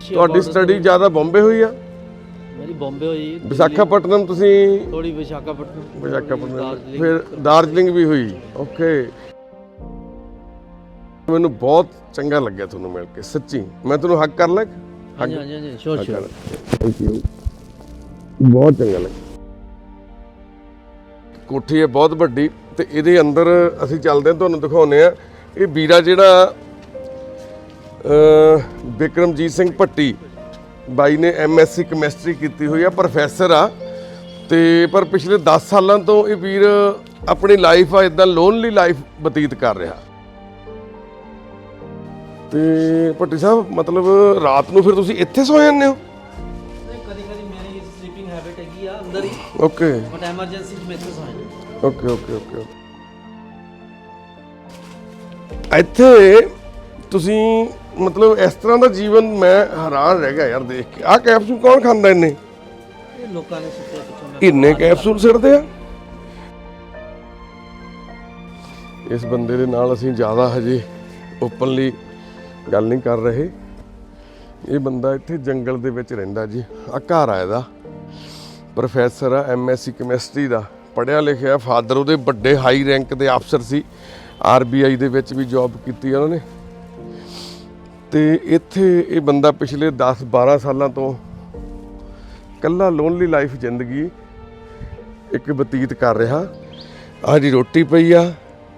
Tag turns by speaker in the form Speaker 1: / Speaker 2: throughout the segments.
Speaker 1: ਤੁਹਾਡੀ ਸਟੱਡੀ ਜ਼ਿਆਦਾ ਬੰਬੇ ਹੋਈ ਆ?
Speaker 2: ਮੇਰੀ ਬੰਬੇ ਹੋਈ।
Speaker 1: ਵਿਸ਼ਾਖਾਪਟਨਮ ਤੁਸੀਂ?
Speaker 2: ਥੋੜੀ ਵਿਸ਼ਾਖਾਪਟਨਮ,
Speaker 1: ਫਿਰ ਦਾਰਜਲਿੰਗ ਵੀ ਹੋਈ। ਓਕੇ, ਮੈਨੂੰ ਬਹੁਤ ਚੰਗਾ ਲੱਗਿਆ ਤੁਹਾਨੂੰ ਮਿਲ ਕੇ, ਸੱਚੀ। ਮੈਂ ਤੁਹਾਨੂੰ ਹੱਗ ਕਰ ਲਾਂ?
Speaker 2: ਹਾਂਜੀ ਹਾਂਜੀ ਸ਼ੋਰ ਸ਼ੋਰ।
Speaker 1: ਥੈਂਕ ਯੂ, ਬਹੁਤ ਚੰਗਾ ਲੱਗਿਆ। ਕੋਠੀ ਹੈ ਬਹੁਤ ਵੱਡੀ ਤੇ ਇਹਦੇ ਅੰਦਰ ਅਸੀਂ ਚੱਲਦੇ ਹਾਂ, ਤੁਹਾਨੂੰ ਦਿਖਾਉਂਦੇ ਆ। ਇਹ ਵੀਰਾ ਜਿਹੜਾ ਬਿਕਰਮਜੀਤ ਸਿੰਘ ਭੱਟੀ ਬਾਈ ਨੇ MSc ਕੈਮਿਸਟਰੀ ਕੀਤੀ ਹੋਈ ਆ, ਪ੍ਰੋਫੈਸਰ ਆ ਤੇ ਪਰ ਪਿਛਲੇ 10 ਸਾਲਾਂ ਤੋਂ ਇਹ ਵੀਰ ਆਪਣੀ ਲਾਈਫ ਆ ਇਦਾਂ ਲੋਨਲੀ ਲਾਈਫ ਬਤੀਤ ਕਰ ਰਿਹਾ। ਤੇ ਭੱਟੀ ਸਾਹਿਬ ਮਤਲਬ ਰਾਤ ਨੂੰ ਫਿਰ ਤੁਸੀਂ ਇੱਥੇ ਸੌ ਜਾਂਦੇ ਹੋ?
Speaker 2: ਕਦੀ ਕਦੀ ਮੇਰੀ ਸਲੀਪਿੰਗ ਹੈਬਿਟ ਹੈਗੀ ਆ ਅੰਦਰ ਹੀ।
Speaker 1: ਓਕੇ,
Speaker 2: ਬਟ ਐਮਰਜੈਂਸੀ ਚ ਮੈਂ ਇੱਥੇ ਸੌ ਜਾਂਦਾ।
Speaker 1: Okay okay okay. ਇੱਥੇ ਤੁਸੀਂ ਮਤਲਬ ਇਸ ਤਰ੍ਹਾਂ ਦਾ ਜੀਵਨ, ਮੈਂ ਹੈਰਾਨ ਰਹਿ ਗਿਆ ਯਾਰ ਦੇਖ ਕੇ। ਆਹ ਕੈਪਸੂਲ ਕੌਣ ਖਾਂਦਾ ਇੰਨੇ?
Speaker 2: ਇਹ ਲੋਕਾਂ ਨੇ ਸੁੱਤੇ ਪਿੱਛੋਂ
Speaker 1: ਇੰਨੇ ਕੈਪਸੂਲ ਸਿੱਟਦੇ ਆ। ਇਸ ਬੰਦੇ ਦੇ ਨਾਲ ਅਸੀਂ ਜ਼ਿਆਦਾ ਹਜੇ ਓਪਨਲੀ ਗੱਲ ਨਹੀਂ ਕਰ ਰਹੇ। ਇਹ ਬੰਦਾ ਇੱਥੇ ਜੰਗਲ ਦੇ ਵਿੱਚ ਰਹਿੰਦਾ ਜੀ। ਆ ਘਰ ਆ ਇਹਦਾ। ਪ੍ਰੋਫੈਸਰ ਆ, MSc ਕੈਮਿਸਟਰੀ ਦਾ, ਪੜ੍ਹਿਆ ਲਿਖਿਆ। ਫਾਦਰ ਉਹਦੇ ਵੱਡੇ ਹਾਈ ਰੈਂਕ ਦੇ ਅਫਸਰ ਸੀ, RBI ਦੇ ਵਿੱਚ ਵੀ ਜੌਬ ਕੀਤੀ ਉਹਨਾਂ ਨੇ। ਤੇ ਇੱਥੇ ਇਹ ਬੰਦਾ ਪਿਛਲੇ 10-12 ਸਾਲਾਂ ਤੋਂ ਇਕੱਲਾ ਲੋਨਲੀ ਲਾਈਫ ਜ਼ਿੰਦਗੀ ਇੱਕ ਬਤੀਤ ਕਰ ਰਿਹਾ। ਆਹ ਜੀ ਰੋਟੀ ਪਈ ਆ।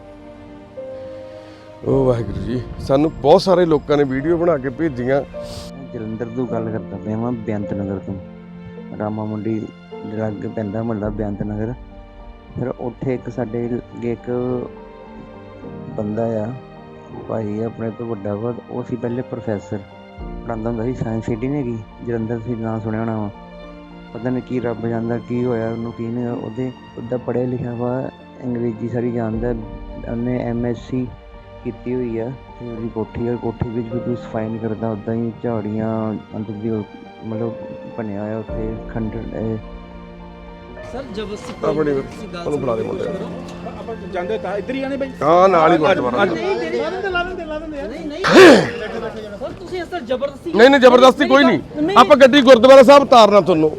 Speaker 1: ਉਹ ਵਾਹਿਗੁਰੂ ਜੀ, ਸਾਨੂੰ ਬਹੁਤ ਸਾਰੇ ਲੋਕਾਂ ਨੇ ਵੀਡੀਓ ਬਣਾ ਕੇ ਭੇਜੀਆਂ।
Speaker 3: ਜਲੰਧਰ ਤੋਂ ਗੱਲ ਕਰਦਾ ਪਿਆ ਮੈਂ, ਬੇਅੰਤ ਨਗਰ ਤੋਂ। ਰਾਮਾ ਮੰਡੀ ਲਾਗੇ ਪੈਂਦਾ ਮੁਹੱਲਾ ਬੇਅੰਤ ਨਗਰ। ਫਿਰ ਉੱਥੇ ਇੱਕ ਸਾਡੇ ਇੱਕ ਬੰਦਾ ਆ, ਭਾਈ ਆਪਣੇ ਤੋਂ ਵੱਡਾ ਵਾ। ਉਹ ਸੀ ਪਹਿਲੇ ਪ੍ਰੋਫੈਸਰ, ਪੜ੍ਹਾਉਂਦਾ ਹੁੰਦਾ ਸੀ ਸਾਇੰਸ ਸਿਟੀ ਨੇ ਹੈਗੀ ਜਲੰਧਰ। ਸੀ ਨਾਂ ਸੁਣਿਆ ਹੋਣਾ ਵਾ, ਪਤਾ ਨਹੀਂ ਕੀ ਰੱਬ ਜਾਣਦਾ ਕੀ ਹੋਇਆ ਉਹਨੂੰ, ਕੀ ਨਹੀਂ। ਉਹਦਾ ਪੜ੍ਹਿਆ ਲਿਖਿਆ ਵਾ, ਅੰਗਰੇਜ਼ੀ ਸਾਰੀ ਜਾਣਦਾ। ਉਹਨੇ MSc ਕੀਤੀ ਹੋਈ ਆ ਤੇ ਉਹਦੀ ਕੋਠੀ ਆ, ਕੋਠੀ ਵਿੱਚ ਵੀ ਕੋਈ ਸਫਾਈ ਨਹੀਂ ਕਰਦਾ। ਉੱਦਾਂ ਹੀ ਝਾੜੀਆਂ ਅੰਦਰ ਦੀ ਮਤਲਬ ਬਣਿਆ ਹੋਇਆ ਉੱਥੇ ਖੰਡਰ।
Speaker 2: ਸਰ ਜਬਰਦਸਤੀ
Speaker 1: ਆਪਣੀ ਉਹਨੂੰ ਬੁਲਾ ਦੇ ਮੁੰਡੇ
Speaker 4: ਆਪਾਂ ਜਾਂਦੇ ਤਾਂ ਇੱਧਰ ਹੀ ਆਣੇ ਬਾਈ।
Speaker 1: ਹਾਂ, ਨਾਲ ਹੀ ਗੁਰਦੁਆਰਾ।
Speaker 2: ਨਹੀਂ ਸਰ ਤੁਸੀਂ ਇਸ ਤਰ੍ਹਾਂ ਜ਼ਬਰਦਸਤੀ
Speaker 1: ਨਹੀਂ ਜ਼ਬਰਦਸਤੀ ਕੋਈ ਨਹੀਂ। ਆਪਾਂ ਗੱਡੀ ਗੁਰਦੁਆਰਾ ਸਾਹਿਬ ਤਾਰਨਾ ਤੁਹਾਨੂੰ।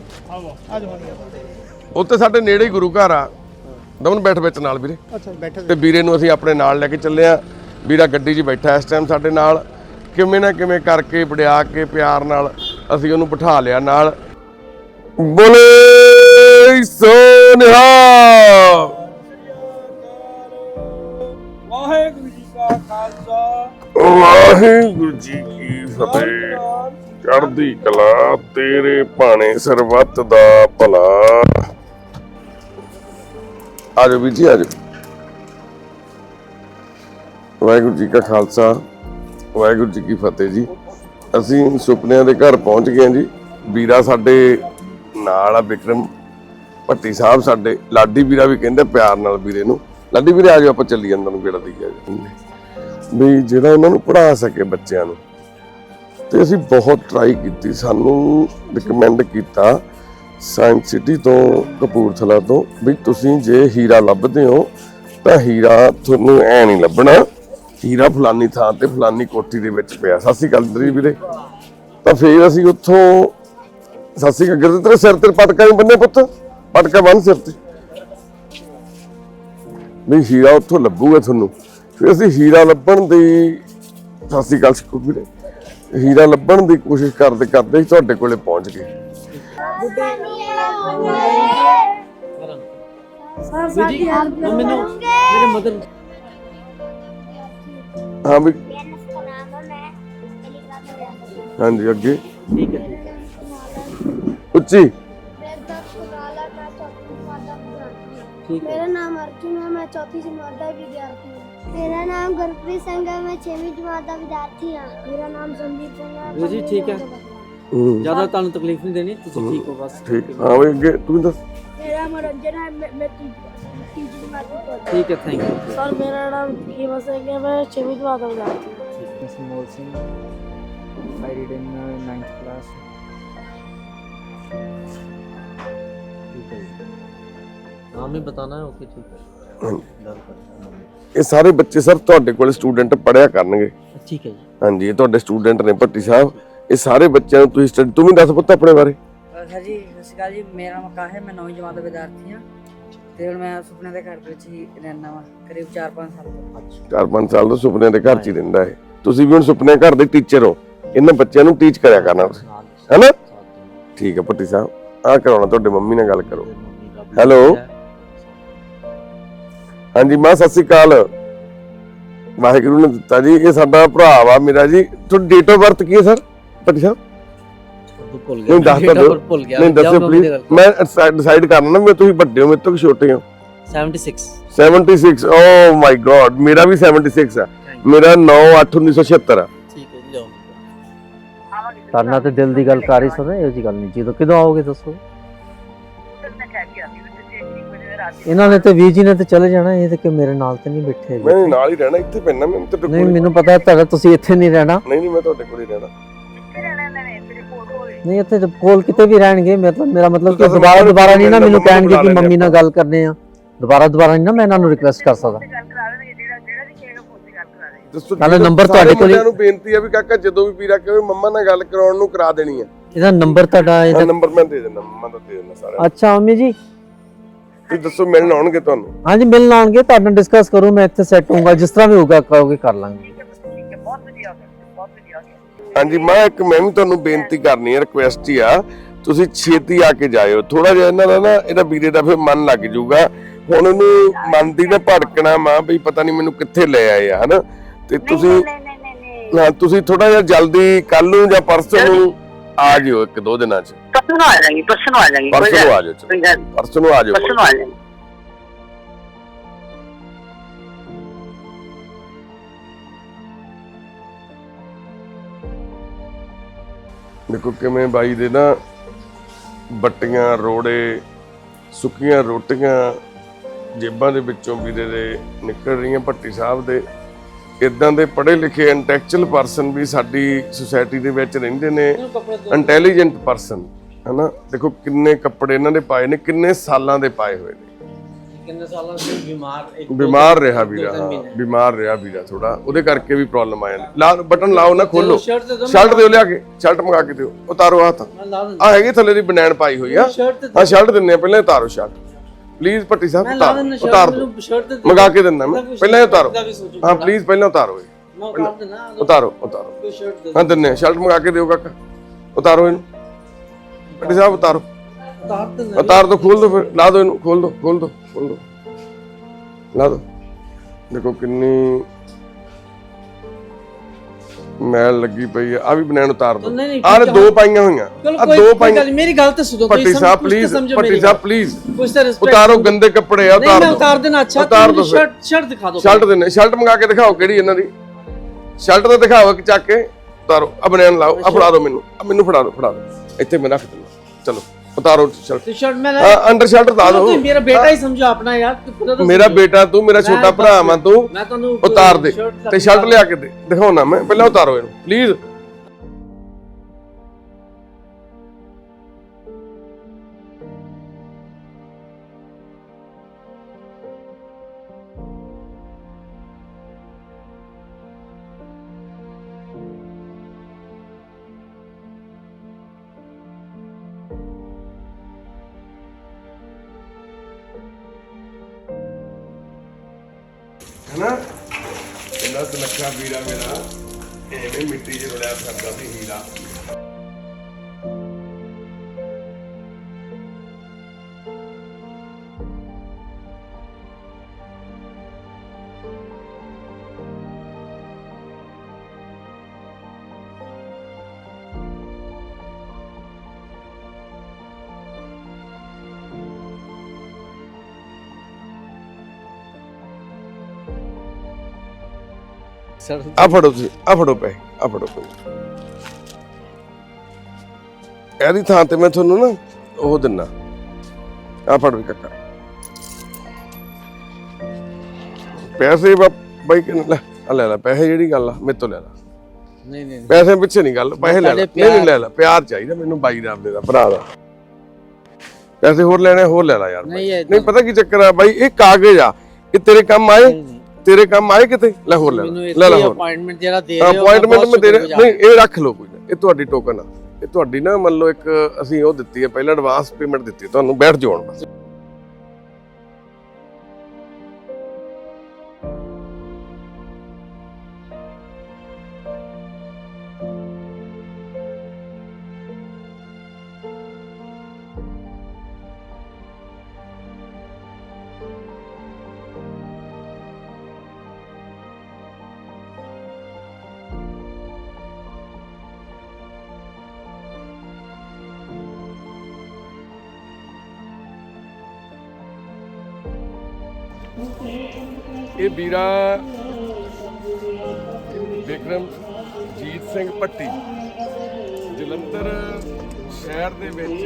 Speaker 1: ਉੱਥੇ ਸਾਡੇ ਨੇੜੇ ਹੀ ਗੁਰੂ ਘਰ ਆ। ਦਮਨ ਬੈਠ ਵਿੱਚ ਨਾਲ ਵੀਰੇ।
Speaker 4: ਅੱਛਾ ਬੈਠੋ।
Speaker 1: ਤੇ ਵੀਰੇ ਨੂੰ ਅਸੀਂ ਆਪਣੇ ਨਾਲ ਲੈ ਕੇ ਚੱਲੇ ਆ। ਵੀਰਾ ਗੱਡੀ 'ਚ ਬੈਠਾ ਇਸ ਟਾਈਮ ਸਾਡੇ ਨਾਲ। ਕਿਵੇਂ ਨਾ ਕਿਵੇਂ ਕਰਕੇ ਵੜਿਆ ਕੇ ਪਿਆਰ ਨਾਲ ਅਸੀਂ ਉਹਨੂੰ ਬਿਠਾ ਲਿਆ ਨਾਲ। ਬੋਲੇ ਸੋ ਨਿਹਾਲ।
Speaker 4: ਵਾਹਿਗੁਰੂ ਜੀ ਕਾ ਖਾਲਸਾ,
Speaker 1: ਵਾਹਿਗੁਰੂ ਜੀ ਕੀ ਫਤਿਹ। ਚੜ੍ਹਦੀ ਕਲਾ ਤੇਰੇ ਭਾਣੇ ਸਰਬੱਤ ਦਾ ਭਲਾ। ਆਜੋ ਵੀਰ ਜੀ, ਆਜੋ। ਵਾਹਿਗੁਰੂ ਜੀ ਕਾ ਖਾਲਸਾ, ਵਾਹਿਗੁਰੂ ਜੀ ਕੀ ਫਤਿਹ ਜੀ। ਅਸੀਂ ਸੁਪਨਿਆਂ ਦੇ ਘਰ ਪਹੁੰਚ ਗਏ ਜੀ। ਵੀਰਾ ਸਾਡੇ ਨਾਲ ਆ, ਬਿਕਰਮ ਭੱਟੀ ਸਾਹਿਬ ਸਾਡੇ। ਲਾਡੀ ਵੀਰਾ ਵੀ ਕਹਿੰਦੇ ਪਿਆਰ ਨਾਲ ਵੀਰੇ ਨੂੰ। ਲਾਡੀ ਵੀਰੇ ਆਜੋ, ਆਪਾਂ ਚੱਲੀ ਜਾਂਦਾ ਨੂੰ ਗੇੜਾ ਦਈਏ ਵੀ ਜਿਹੜਾ ਇਹਨਾਂ ਨੂੰ ਪੜ੍ਹਾ ਸਕੇ ਬੱਚਿਆਂ ਨੂੰ। ਤੇ ਅਸੀਂ ਬਹੁਤ ਟਰਾਈ ਕੀਤੀ। ਸਾਨੂੰ ਰਿਕਮੈਂਡ ਕੀਤਾ ਸਾਇੰਸ ਸਿਟੀ ਤੋਂ, ਕਪੂਰਥਲਾ ਤੋਂ, ਵੀ ਤੁਸੀਂ ਜੇ ਹੀਰਾ ਲੱਭਦੇ ਹੋ ਤਾਂ ਹੀਰਾ ਤੁਹਾਨੂੰ ਐ ਨਹੀਂ ਲੱਭਣਾ, ਹੀਰਾ ਫਲਾਨੀ ਥਾਂ ਤੇ ਫਲਾਨੀ ਕੋਠੀ ਦੇ ਵਿੱਚ ਪਿਆ। ਸਤਿ ਸ਼੍ਰੀ ਅਕਾਲ ਵੀਰੇ। ਤਾਂ ਫਿਰ ਅਸੀਂ ਉੱਥੋਂ ਸਤਿ ਸ਼੍ਰੀ ਅਕਾਲ। ਤੇਰੇ ਸਿਰ ਤੇ ਪਟਕਾ ਨਹੀਂ ਬੰਨੇ ਪੁੱਤ, ਪਟਕਾ ਬੰਨ ਸਿਰ ਤੇ, ਵੀ ਹੀਰਾ ਉੱਥੋਂ ਲੱਭੂਗਾ ਤੁਹਾਨੂੰ। ਫਿਰ ਅਸੀਂ ਹੀਰਾ ਲੱਭਣ ਦੀ, ਸਤਿ ਸ਼੍ਰੀ ਅਕਾਲ ਵੀਰੇ, ਹੀਰਾ ਲੱਭਣ ਦੀ ਕੋਸ਼ਿਸ਼ ਕਰਦੇ ਕਰਦੇ ਤੁਹਾਡੇ ਕੋਲੇ ਪਹੁੰਚ ਗਏ।
Speaker 2: ਮੈਨੂੰ ਮੇਰੇ ਮਦਰ।
Speaker 1: ਹਾਂ ਵੀ ਹਾਂਜੀ, ਅੱਗੇ
Speaker 2: ਠੀਕ ਹੈ
Speaker 1: ਉੱਚੀ।
Speaker 5: मेरा नाम अर्जुन है, मैं 4वीं जमात का विद्यार्थी हूँ। मेरा नाम गुरप्रीत सिंह है, मैं 6वीं जमात का विद्यार्थी हूँ। मेरा नाम संदीप सिंह है।
Speaker 2: जी ठीक है, ज्यादा ਤੁਹਾਨੂੰ ਤਕਲੀਫ ਨਹੀਂ ਦੇਣੀ, ਤੁਸੀਂ ਠੀਕ ਹੋ ਬਸ।
Speaker 1: ਠੀਕ। ਹਾਂ ਵੀ ਅੱਗੇ ਤੂੰ ਦੱਸ।
Speaker 5: मेरा मनोरंजन है, मैं 3वीं जमात में पढ़ता हूँ।
Speaker 2: ठीक है, थैंक यू
Speaker 5: सर। मेरा नाम कीमा सिंह है, मैं 6वीं जमात का विद्यार्थी हूँ।
Speaker 3: Samol Singh, I read in 9th class।
Speaker 2: नाम ही बताना है। ओके ठीक है।
Speaker 1: ਇਹ ਸਾਰੇ ਬੱਚੇ ਸਰ ਤੁਹਾਡੇ ਕੋਲ ਸਟੂਡੈਂਟ ਪੜ੍ਹਿਆ ਕਰਨਗੇ।
Speaker 2: ठीक है जी।
Speaker 1: ਹਾਂਜੀ, ਇਹ ਤੁਹਾਡੇ ਸਟੂਡੈਂਟ ਨੇ ਭੱਟੀ ਸਾਹਿਬ। ਇਹ ਸਾਰੇ ਬੱਚਿਆਂ ਨੂੰ ਤੁਸੀਂ ਸਟੱਡੀ, ਤੂੰ ਵੀ ਦੱਸ ਪੁੱਤ ਆਪਣੇ ਬਾਰੇ।
Speaker 6: ਸਰ ਜੀ ਸਤਿ ਸ਼੍ਰੀ ਅਕਾਲ ਜੀ, ਮੇਰਾ ਨਾਮ ਆਕਾਸ਼ ਹੈ, ਮੈਂ 9ਵੀਂ ਜਮਾਤ ਦਾ ਵਿਦਿਆਰਥੀ ਹਾਂ ਤੇ ਹੁਣ ਮੈਂ ਸੁਪਨੇ ਦੇ ਘਰ ਵਿੱਚ ਹੀ ਰਹਿਣਾ ਵਾ ਕਰੀਬ 4-5 ਸਾਲ ਤੋਂ।
Speaker 1: 4-5 ਸਾਲ ਤੋਂ ਸੁਪਨਿਆਂ ਦੇ ਘਰ 'ਚ ਹੀ ਰਹਿੰਦਾ ਹੈ। ਤੁਸੀਂ ਵੀ ਹੁਣ ਸੁਪਨੇ ਘਰ ਦੇ ਟੀਚਰ ਹੋ, ਇਹਨਾਂ ਬੱਚਿਆਂ ਨੂੰ ਟੀਚ ਕਰਿਆ ਕਰਨਾ ਤੁਸੀਂ, ਹੈਨਾ? ਠੀਕ ਹੈ ਭੱਟੀ ਸਾਹਿਬ, ਆਹ ਕਰਾਉਣਾ ਤੁਹਾਡੇ ਮੰਮੀ ਨਾਲ ਗੱਲ ਕਰੋ। ਹੈਲੋ, ਹਾਂਜੀ ਮਾਂ ਸਤਿ ਸ਼੍ਰੀ ਅਕਾਲ। ਵਾਹਿਗੁਰੂ ਨੇ ਦਿੱਤਾ ਜੀ, ਇਹ ਸਾਡਾ ਭਰਾ ਵਾ ਮੇਰਾ ਜੀ। ਤੁਹਾਡੀ ਡੇਟ ਆਫ ਬਰਥ ਕੀ ਹੈ ਸਰ ਭੱਟੀ ਸਾਹਿਬ?
Speaker 2: ਭੁੱਲ
Speaker 1: ਨਹੀਂ ਦੱਸ ਤਾਂ ਦਿਓ,
Speaker 2: ਭੁੱਲ ਗਿਆ।
Speaker 1: ਨਹੀਂ ਦੱਸਿਓ ਪਲੀਜ਼, ਮੈਂ ਡਿਸਾਈਡ ਕਰਨਾ ਨਾ, ਮੈਂ ਤੁਸੀਂ ਵੱਡੇ ਹੋ ਮੇਰੇ ਤੋਂ ਕਿ ਛੋਟੇ ਹੋ?
Speaker 2: 76
Speaker 1: 76 ਓ ਮਾਈ ਗॉड, ਮੇਰਾ ਵੀ 76 ਆ, ਮੇਰਾ 9/8/1976 ਆ।
Speaker 2: ਠੀਕ ਹੈ ਜੀ, ਜਾਓ।
Speaker 7: ਕਰਨਾ ਤੇ ਦਿਲ ਦੀ ਗੱਲ ਕਰ ਹੀ ਸਕਦੇ, ਇਹੋ ਜੀ ਗੱਲ ਨਹੀਂ। ਜਦੋਂ ਕਿਦੋਂ ਆਓਗੇ ਦੱਸੋ? ਇਹਨਾਂ ਨੇ ਤੇ ਵੀਰ ਜੀ ਨੇ ਤੇ ਚਲੇ ਜਾਣਾ, ਇਹ ਤੇ ਕਿ ਮੇਰੇ ਨਾਲ ਤੇ ਨਹੀਂ ਬੈਠੇ ਹੈਗੇ।
Speaker 1: ਮੈਂ ਨਾਲ ਹੀ ਰਹਿਣਾ, ਇੱਥੇ ਪੈਣਾ ਮੈਂ ਤੁਹਾਡੇ
Speaker 7: ਨਹੀਂ
Speaker 1: ਕੋਲ।
Speaker 7: ਮੈਨੂੰ ਪਤਾ ਤੁਹਾਡਾ, ਤੁਸੀਂ ਇੱਥੇ ਨਹੀਂ ਰਹਿਣਾ।
Speaker 1: ਨਹੀਂ ਮੈਂ ਤੁਹਾਡੇ ਕੋਲ ਹੀ ਰਹਿਣਾ।
Speaker 7: ਨਹੀਂ ਇੱਥੇ ਕੋਲ ਕਿਤੇ ਵੀ ਰਹਿਣਗੇ, ਮੇਰਾ ਮਤਲਬ ਕਿ
Speaker 1: ਤੁਸੀਂ
Speaker 7: ਦੁਬਾਰਾ ਨਹੀਂ ਨਾ ਮੈਨੂੰ
Speaker 1: ਮੰਮਾ
Speaker 7: ਕਹਿਣਗੇ
Speaker 1: ਬੁਲਾ
Speaker 7: ਕਿ
Speaker 1: ਲੈਂਦੇ
Speaker 7: ਮੰਮੀ ਨਾਲ ਗੱਲ ਕਰਨੇ ਆ। ਦੁਬਾਰਾ ਨਹੀਂ ਨਾ ਮੈਂ ਇਹਨਾਂ ਨੂੰ ਰਿਕੁਐਸਟ ਕਰ ਸਕਦਾ।
Speaker 1: ਦੱਸੋ
Speaker 7: ਨਾਲੇ ਨੰਬਰ ਤੁਹਾਡੇ ਕੋਲ ਹੀ-
Speaker 1: ਨੂੰ ਬੇਨਤੀ ਆ ਵੀ ਕਾਕਾ ਜਦੋਂ ਵੀ ਵੀਰਾ ਕਹੇ ਮੰਮਾ ਨਾਲ ਗੱਲ ਕਰਾਉਣ ਨੂੰ ਕਰਾ ਦੇਣੀ ਆ।
Speaker 7: ਇਹਦਾ ਨੰਬਰ ਤੁਹਾਡਾ ਇਹਦਾ।
Speaker 1: ਨੰਬਰ ਮੈਂ ਦੇ ਦਿੰਦਾ, ਮੰਮਾ ਦਾ ਦੇ ਦਿੰਦਾ ਸਾਰਾ।
Speaker 7: ਅੱਛਾ ਮੰਮੀ ਜੀ,
Speaker 1: ਤੁਸੀਂ ਦੱਸੋ ਮਿਲਣ ਆਉਣਗੇ ਤੁਹਾਨੂੰ?
Speaker 7: ਹਾਂਜੀ ਮਿਲਣ ਆਉਣਗੇ, ਤੁਹਾਡੇ ਨਾਲ ਡਿਸਕਸ ਕਰੂੰ, ਮੈਂ ਇੱਥੇ ਸੈੱਟ ਹੋਊਗਾ, ਜਿਸ ਤਰ੍ਹਾਂ ਵੀ ਹੋਊਗਾ ਕਹੋਗੇ ਕਰ ਲਾਂਗੇ।
Speaker 1: ਹਾਂਜੀ ਮੈਂ ਵੀ ਤੁਹਾਨੂੰ ਬੇਨਤੀ ਕਰਨੀ ਹੈ, ਰਿਕੁਐਸਟ ਹੀ ਆ, ਤੁਸੀਂ ਛੇਤੀ ਆ ਕੇ ਜਾਇਓ। ਥੋੜਾ ਜਿਹਾ ਇਹਨਾਂ ਦਾ ਨਾ, ਇਹਦਾ ਵੀਰੇ ਦਾ ਫਿਰ ਮਨ ਲੱਗ ਜਾਊਗਾ। ਹੁਣ ਉਹਨੂੰ ਮਨ ਦੀ ਨਾ ਭੜਕਣਾ ਮਾਂ ਬਈ ਪਤਾ ਨਹੀਂ ਮੈਨੂੰ ਕਿੱਥੇ ਲੈ ਆਏ ਆ, ਹਨਾ? ਤੇ ਤੁਸੀਂ ਤੁਸੀਂ ਥੋੜਾ ਜਿਹਾ ਜਲਦੀ ਕੱਲ ਨੂੰ ਜਾਂ ਪਰਸੋਂ ਨੂੰ ਆ ਜਿਓ, 1-2 ਦਿਨਾਂ ਚ।
Speaker 8: ਪਰਸੋਂ ਨੂੰ ਆ ਜਾਏਗੀ, ਪਰਸੋਂ ਨੂੰ ਆ ਜਾਏਗੀ,
Speaker 1: ਪਰਸੋਂ ਨੂੰ ਆ ਜਾਓ, ਚਲੋ ਪਰਸੋਂ ਨੂੰ ਆ ਜਾਓ।
Speaker 8: ਪਰਸੋਂ ਨੂੰ ਆ ਜਾਏਗੀ।
Speaker 1: ਦੇਖੋ ਕਿਵੇਂ ਬਾਈ ਦੇ ਨਾ ਬੱਟੀਆਂ, ਰੋੜੇ, ਸੁੱਕੀਆਂ ਰੋਟੀਆਂ ਜੇਬਾਂ ਦੇ ਵਿੱਚੋਂ ਵੀਰੇ ਦੇ ਨਿਕਲ ਰਹੀਆਂ। ਭੱਟੀ ਸਾਹਿਬ ਦੇ ਇਦਾਂ ਦੇ ਪੜ੍ਹੇ ਲਿਖੇ ਇੰਟੈਲੈਕਚੁਅਲ ਪਰਸਨ ਵੀ ਸਾਡੀ ਸੁਸਾਇਟੀ ਦੇ ਵਿੱਚ ਰਹਿੰਦੇ ਨੇ, ਇੰਟੈਲੀਜੈਂਟ ਪਰਸਨ, ਹਨਾ? ਦੇਖੋ ਕਿੰਨੇ ਕੱਪੜੇ ਇਹਨਾਂ ਨੇ ਪਾਏ ਨੇ, ਕਿੰਨੇ ਸਾਲਾਂ ਦੇ ਪਾਏ ਹੋਏ ਨੇ।
Speaker 2: ਕਿੰਨੇ ਸਾਲਾਂ ਤੋਂ
Speaker 1: ਬਿਮਾਰ ਰਿਹਾ ਵੀਰਾ, ਹਾਂ ਬਿਮਾਰ ਰਿਹਾ ਵੀਰਾ ਥੋੜਾ, ਉਹਦੇ ਕਰਕੇ ਵੀ ਪ੍ਰੋਬਲਮ ਆ ਜਾਂਦੀ। ਲਾ ਬਟਨ ਲਾਓ ਨਾ, ਖੋਲੋ, ਸ਼ਰਟ ਦਿਓ ਲਿਆ ਕੇ, ਸ਼ਰਟ ਮੰਗਾ ਕੇ ਦਿਓ, ਉਤਾਰੋ ਹੱਥ। ਆ ਹੈਗੀ ਥੱਲੇ ਦੀ ਬਨੈਣ ਪਾਈ ਹੋਈ ਆ, ਹਾਂ ਸ਼ਰਟ ਦਿੰਨੇ ਆ, ਪਹਿਲਾਂ ਉਤਾਰੋ ਸ਼ਰਟ ਪਲੀਜ਼ ਭੱਟੀ ਸਾਹਿਬ, ਉਤਾਰ ਦਿਓ, ਮੰਗਾ ਕੇ ਦਿੰਦਾ ਮੈਂ, ਪਹਿਲਾਂ ਉਤਾਰੋ, ਹਾਂ ਪਲੀਜ਼ ਪਹਿਲਾਂ ਉਤਾਰੋ, ਉਤਾਰੋ ਹਾਂ ਦਿੰਨੇ ਆ, ਸ਼ਰਟ ਮੰਗਾ ਕੇ ਦਿਓ ਕਾਕਾ, ਉਤਾਰੋ ਇਹਨੂੰ ਭੱਟੀ ਸਾਹਿਬ, ਉਤਾਰੋ, ਉਤਾਰ ਦੋ, ਖੋਲ ਦੋ, ਫਿਰ ਲਾ ਦੋ ਇਹਨੂੰ, ਖੋਲ ਦੋ ਲਾ ਦੋ। ਦੇਖੋ ਕਿੰਨੀ ਮੈਲ ਲੱਗੀ ਪਈ ਆ। ਆ ਵੀ ਬਨੈਣ ਉਤਾਰ ਦੋ, ਆਹ 2 ਪਾਈਆਂ ਹੋਈਆਂ, ਆ 2 ਪਾਈਆਂ।
Speaker 2: ਮੇਰੀ ਗੱਲ ਤੇ ਸੁਣੋ
Speaker 1: ਭੱਟੀ ਸਾਹਿਬ ਪਲੀਜ਼, ਭੱਟੀ ਸਾਹਿਬ ਪਲੀਜ਼
Speaker 2: ਕੁਝ ਤਾਂ ਰਿਸਪੈਕਟ
Speaker 1: ਉਤਾਰੋ, ਗੰਦੇ ਕੱਪੜੇ ਆ, ਉਤਾਰ ਦੋ।
Speaker 2: ਉਤਾਰ ਦੇਣਾ, ਅੱਛਾ
Speaker 1: ਉਤਾਰ ਦਿਓ,
Speaker 2: ਸ਼ਰਟ ਦਿਖਾ ਦਿਓ,
Speaker 1: ਸ਼ਰਟ ਦਿੰਨੇ, ਸ਼ਰਟ ਮੰਗਾ ਕੇ ਦਿਖਾਓ ਕਿਹੜੀ ਇਹਨਾਂ ਦੀ ਸ਼ਰਟ, ਤਾਂ ਦਿਖਾਓ ਕਿ ਚੱਕ ਕੇ ਉਤਾਰੋ। ਆ ਬਨੈਣ ਲਾਓ, ਆ ਫੜਾ ਦਿਓ ਮੈਨੂੰ, ਮੈਨੂੰ ਫੜਾ ਦਿਓ, ਇੱਥੇ ਮੈਂ ਰੱਖ ਦਿੰਦਾ, ਚਲੋ ਉਤਾਰੋ ਸ਼ਰਟ,
Speaker 2: ਮੈਂ
Speaker 1: ਅੰਡਰ ਸ਼ਰਟ ਉਤਾਰ ਦਿਓ।
Speaker 2: ਮੇਰਾ ਬੇਟਾ ਹੀ ਸਮਝੋ ਆਪਣਾ ਯਾਰ,
Speaker 1: ਮੇਰਾ ਬੇਟਾ ਤੂੰ, ਮੇਰਾ ਛੋਟਾ ਭਰਾ ਵਾ ਤੂੰ, ਉਤਾਰ ਦੇ ਤੇ ਸ਼ਰਟ ਲਿਆ ਕੇ ਦੇ, ਦਿਖਾਉਣਾ ਮੈਂ, ਪਹਿਲਾਂ ਉਤਾਰੋ ਇਹਨੂੰ ਪਲੀਜ਼। ਹਨਾ ਇਹਨਾਂ ਤੋਂ ਲੱਖਾ ਵੀਰਾ ਮੇਰਾ ਐਵੇਂ ਮਿੱਟੀ 'ਚ ਰੁਲਿਆ ਫਿਰਦਾ ਸੀ ਹੀਰਾ। ਆ ਫੜੋ ਤੁਸੀਂ, ਆ ਫੜੋ ਪਏ, ਆ ਫੜੋ ਪਏ। ਇਹਦੀ ਥਾਂ ਤੇ ਮੈਂ ਤੁਹਾਨੂੰ ਨਾ ਉਹ ਦਿੰਨਾ, ਆ ਫੜ ਵੀ ਕਾਕਾ ਪੈਸੇ। ਬਾਈ ਕਿ ਲੈ ਲੈ ਪੈਸੇ, ਜਿਹੜੀ ਗੱਲ ਆ ਮੇਰੇ ਤੋਂ ਲੈ ਲੈ।
Speaker 2: ਨਹੀਂ
Speaker 1: ਪੈਸੇ ਪਿੱਛੇ ਨਹੀਂ ਗੱਲ, ਪੈਸੇ ਲੈ ਲੈ। ਨਹੀਂ ਲੈ ਲੈ, ਪਿਆਰ ਚਾਹੀਦਾ ਮੈਨੂੰ ਬਾਈ ਦਾ, ਆਪਣੇ ਦਾ ਭਰਾ ਦਾ। ਪੈਸੇ ਹੋਰ ਲੈਣੇ, ਹੋਰ ਲੈ ਲੈ ਯਾਰ। ਨਹੀਂ ਪਤਾ ਕੀ ਚੱਕਰ ਆ ਬਾਈ, ਇਹ ਕਾਗਜ਼ ਆ, ਇਹ ਤੇਰੇ ਕੰਮ ਆਏ। ਤੇਰੇ ਕੰਮ ਆਏ ਕਿਤੇ? ਲੈ ਹੋਰ ਲੈ
Speaker 2: ਮੈਨੂੰ
Speaker 1: ਲੈ
Speaker 2: ਇੱਥੇ
Speaker 1: ਹੋਰ
Speaker 2: ਅਪਾਇੰਟਮੈਂਟ ਜਿਹੜਾ ਦੇ ਰਹੇ ਹੋ
Speaker 1: ਅਪਾਇੰਟਮੈਂਟ ਮੈਂ ਦੇ ਰਿਹਾ ਨਹੀਂ, ਇਹ ਰੱਖ ਲਓ ਕੋਈ ਨਾ, ਇਹ ਤੁਹਾਡੀ ਟੋਕਨ ਆ, ਇਹ ਤੁਹਾਡੀ ਨਾ ਮੰਨ ਲਓ ਇੱਕ ਅਸੀਂ ਉਹ ਦਿੱਤੀ ਹੈ ਪਹਿਲਾਂ ਐਡਵਾਂਸ ਪੇਮੈਂਟ ਦਿੱਤੀ ਤੁਹਾਨੂੰ, ਬੈਠ ਜਾਓ ਹੁਣ ਬਸ। ਇਹ ਵੀਰਾ ਬਿਕਰਮਜੀਤ ਸਿੰਘ ਭੱਟੀ ਜਲੰਧਰ ਸ਼ਹਿਰ ਦੇ ਵਿੱਚ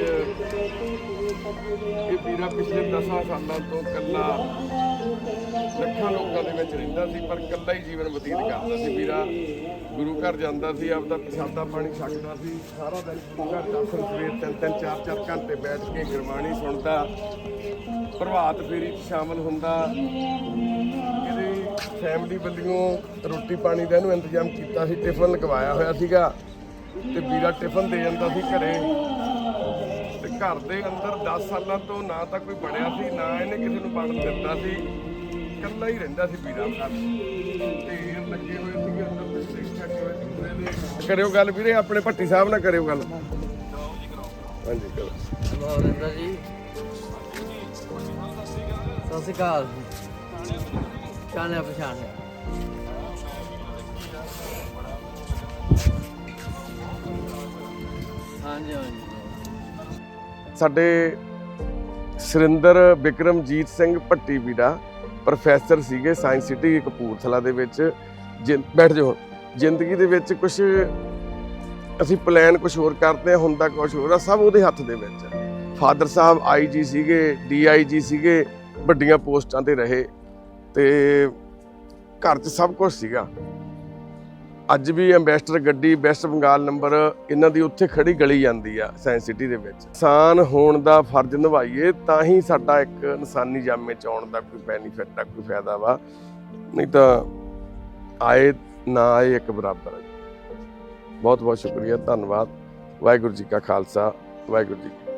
Speaker 1: ਇਹ ਵੀਰਾ ਪਿਛਲੇ 10 ਸਾਲਾਂ ਤੋਂ ਇਕੱਲਾ ਲੱਖਾਂ ਲੋਕਾਂ ਦੇ ਵਿੱਚ ਰਹਿੰਦਾ ਸੀ, ਪਰ ਇਕੱਲਾ ਹੀ ਜੀਵਨ ਬਤੀਤ ਕਰਦਾ ਸੀ। ਵੀਰਾ ਗੁਰੂ ਘਰ ਜਾਂਦਾ ਸੀ, ਆਪਦਾ ਪ੍ਰਸ਼ਾਦਾ ਪਾਣੀ ਛਕਦਾ ਸੀ, ਸਾਰਾ ਦਿਨ ਗੁਰੂ ਘਰ ਦਰਸ਼ਨ ਸਵੇਰ 3-3 4-4 ਘੰਟੇ ਬੈਠ ਕੇ ਗੁਰਬਾਣੀ ਸੁਣਦਾ, ਪ੍ਰਭਾਤ ਫੇਰੀ 'ਚ ਸ਼ਾਮਲ ਹੁੰਦਾ। ਇਹਦੀ ਫੈਮਿਲੀ ਵੱਲੋਂ ਰੋਟੀ ਪਾਣੀ ਦਾ ਇਹਨੂੰ ਇੰਤਜ਼ਾਮ ਕੀਤਾ ਸੀ, ਟਿਫਨ ਲਗਵਾਇਆ ਹੋਇਆ ਸੀਗਾ ਤੇ ਵੀਰਾ ਟਿਫਨ ਦੇ ਜਾਂਦਾ ਸੀ ਘਰੇ। ਤੇ ਘਰ ਦੇ ਅੰਦਰ 10 ਸਾਲਾਂ ਤੋਂ ਨਾ ਤਾਂ ਕੋਈ ਬਣਿਆ ਸੀ, ਨਾ ਇਹਨੇ ਕਿਸੇ ਨੂੰ ਬਣਨ ਦਿੱਤਾ ਸੀ, ਇਕੱਲਾ ਹੀ ਰਹਿੰਦਾ ਸੀ ਵੀਰਾ ਘਰ। ਢੇਰ ਲੱਗੇ ਹੋਏ ਸੀਗੇ ਅੰਦਰ, ਕਰਿਓ ਗੱਲ ਵੀਰੇ ਆਪਣੇ ਭੱਟੀ ਸਾਹਿਬ ਨਾਲ ਕਰਿਓ ਗੱਲ। ਹਾਂਜੀ ਕਰੋ।
Speaker 2: ਨਰਿੰਦਰ ਜੀ ਸਤਿ ਸ਼੍ਰੀ ਅਕਾਲ। ਪਛਾਣਿਆ ਹਾਂਜੀ ਹਾਂਜੀ।
Speaker 1: ਸਾਡੇ ਸੁਰਿੰਦਰ ਬਿਕਰਮਜੀਤ ਸਿੰਘ ਭੱਟੀ ਵੀਰਾ ਪ੍ਰੋਫੈਸਰ ਸੀਗੇ ਸਾਇੰਸ ਸਿਟੀ ਕਪੂਰਥਲਾ ਦੇ ਵਿੱਚ। ਬੈਠ ਜਾਓ। ਜ਼ਿੰਦਗੀ ਦੇ ਵਿੱਚ ਕੁਝ ਅਸੀਂ ਪਲਾਨ ਕੁਝ ਹੋਰ ਕਰਦੇ ਹਾਂ, ਹੁੰਦਾ ਕੁਝ ਹੋਰ ਆ, ਸਭ ਉਹਦੇ ਹੱਥ ਦੇ ਵਿੱਚ। ਫਾਦਰ ਸਾਹਿਬ IG ਸੀਗੇ, DIG ਸੀਗੇ, ਵੱਡੀਆਂ ਪੋਸਟਾਂ ਤੇ ਰਹੇ ਤੇ ਘਰ 'ਚ ਸਭ ਕੁਝ ਸੀਗਾ। ਅੱਜ ਵੀ ਐਂਬੈਸਡਰ ਗੱਡੀ ਵੈਸਟ ਬੰਗਾਲ ਨੰਬਰ ਇਹਨਾਂ ਦੀ ਉੱਥੇ ਖੜੀ ਗਲੀ ਜਾਂਦੀ ਆ ਸਾਇੰਸ ਸਿਟੀ ਦੇ ਵਿੱਚ। ਇਨਸਾਨ ਹੋਣ ਦਾ ਫਰਜ਼ ਨਿਭਾਈਏ ਤਾਂ ਹੀ ਸਾਡਾ ਇੱਕ ਇਨਸਾਨੀ ਜਾਮੇ 'ਚ ਆਉਣ ਦਾ ਕੋਈ ਬੈਨੀਫਿਟ ਆ, ਕੋਈ ਫਾਇਦਾ ਵਾ, ਨਹੀਂ ਤਾਂ ਆਏ ਨਾ ਆਏ ਇੱਕ ਬਰਾਬਰ ਹੈ। ਬਹੁਤ ਬਹੁਤ ਸ਼ੁਕਰੀਆ, ਧੰਨਵਾਦ। ਵਾਹਿਗੁਰੂ ਜੀ ਕਾ ਖਾਲਸਾ, ਵਾਹਿਗੁਰੂ ਜੀ ਕੀ ਫਤਿਹ।